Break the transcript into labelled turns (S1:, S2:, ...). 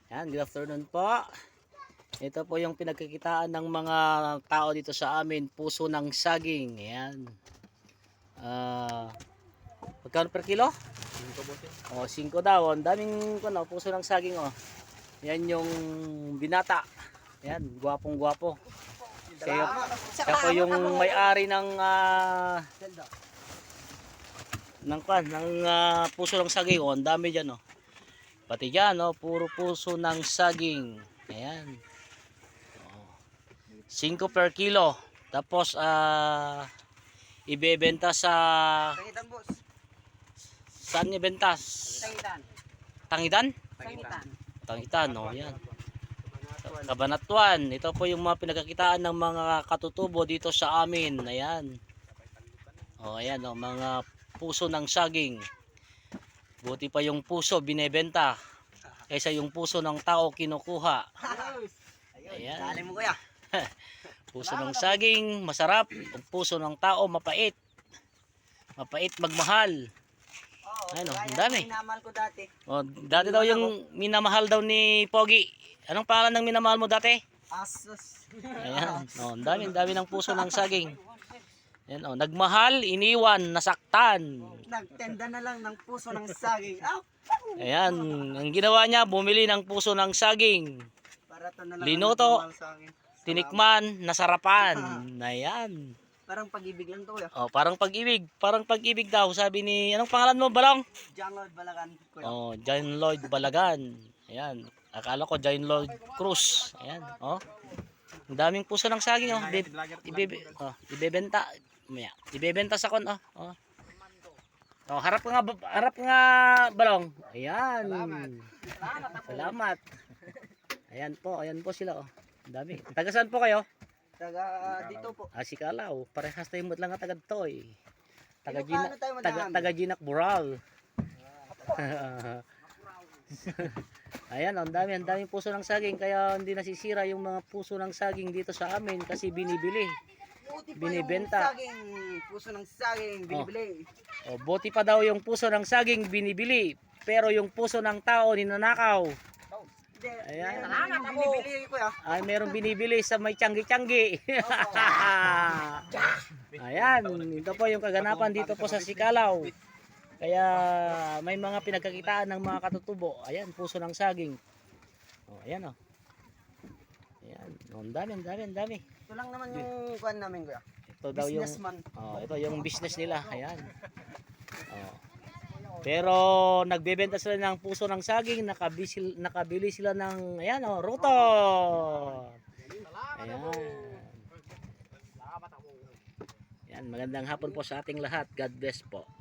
S1: Yan, good afternoon po. Ito po yung pinagkikitaan ng mga tao dito sa amin, puso ng saging. Ayan. Magkano per kilo? 5 5 daw. Ang daming puso ng saging oh. Yan yung binata. Ayan, gwapong-gwapo. Siya po yung may-ari ng puso ng saging oh. Ang dami diyan oh. Pati diyan oh, puro puso ng saging. Ayan. 5 per kilo. Tapos ibebenta sa
S2: Tangitan, boss.
S1: saan ibenta?
S2: Tangitan.
S1: Tangitan?
S2: Tangitan.
S1: Tangitan, oh, yan. Cabanatuan. Ito po yung mga pinagkakitaan ng mga katutubo dito sa amin. Ayan. Oh, ayan oh, mga puso ng saging. Buti pa yung puso binebenta kaysa yung puso ng tao kinukuha. Ayan.
S2: Dali mo, kuya.
S1: Puso ng saging, masarap. Ang puso ng tao, mapait. Mapait magmahal. Ayun, ang dami.
S2: Minamahal ko dati.
S1: Oh, dati daw yung minamahal daw ni Pogi. Anong pangalan ng minamahal mo dati?
S2: Asus.
S1: Ayan. Oh, ang dami ng puso ng saging. Ayan, oh, nagmahal, iniwan, nasaktan.
S2: Nagtenda na lang ng puso ng saging.
S1: Ayan, ang ginawa niya, bumili ng puso ng saging.
S2: Barato na lang.
S1: Linuto.
S2: ang sa akin.
S1: Tinikman, nasarapan. Ayan.
S2: Parang pag-ibig lang to, kuya.
S1: Oh, parang pag-ibig. Parang pag-ibig daw. Sabi ni, anong pangalan mo, Balong?
S2: John Lloyd Balagan, kuya.
S1: Oh, John Lloyd Balagan. Ayan. Akala ko John Lloyd Cruz. Ayan. Oh. Ang daming puso ng saging. Oh. Ibebenta. Maya. Ibebenta sa kon. Oh. Oh. Oh, harap ka nga, Balong. Ayan. Salamat. Ayan po sila. Oh. Ang dami. Taga saan po kayo?
S2: Dito po.
S1: Si Kalaw, parehas tayo lang nga taga Toy.
S2: Ilocano tayo, madami.
S1: Taga Ginak Bural. Ayan, ang daming puso ng saging kaya hindi nasisira yung mga puso ng saging dito sa amin kasi binibili. Binibenta.
S2: Puso ng saging, binibili.
S1: Oh, buti pa daw yung puso ng saging binibili, pero yung puso ng tao ninanakaw. Ayan.
S2: Binibili, kuya.
S1: Ay, merong binibili sa may tiyanggi-tiyanggi. Ayan, ito po yung kaganapan dito po sa Sikalaw. Kaya may mga pinagkakitaan ng mga katutubo. Ayan, puso ng saging. Oh, ayan oh. Ayan, oh, ang dami.
S2: Ito lang naman yung kuhan namin, kuya.
S1: Ito daw yung ito yung business nila. Ayan. Oh. Pero nagbebenta sila ng puso ng saging, nakabili sila ng ayan oh, ruto. Ayan. Ayan, magandang hapon po sa ating lahat. God bless po.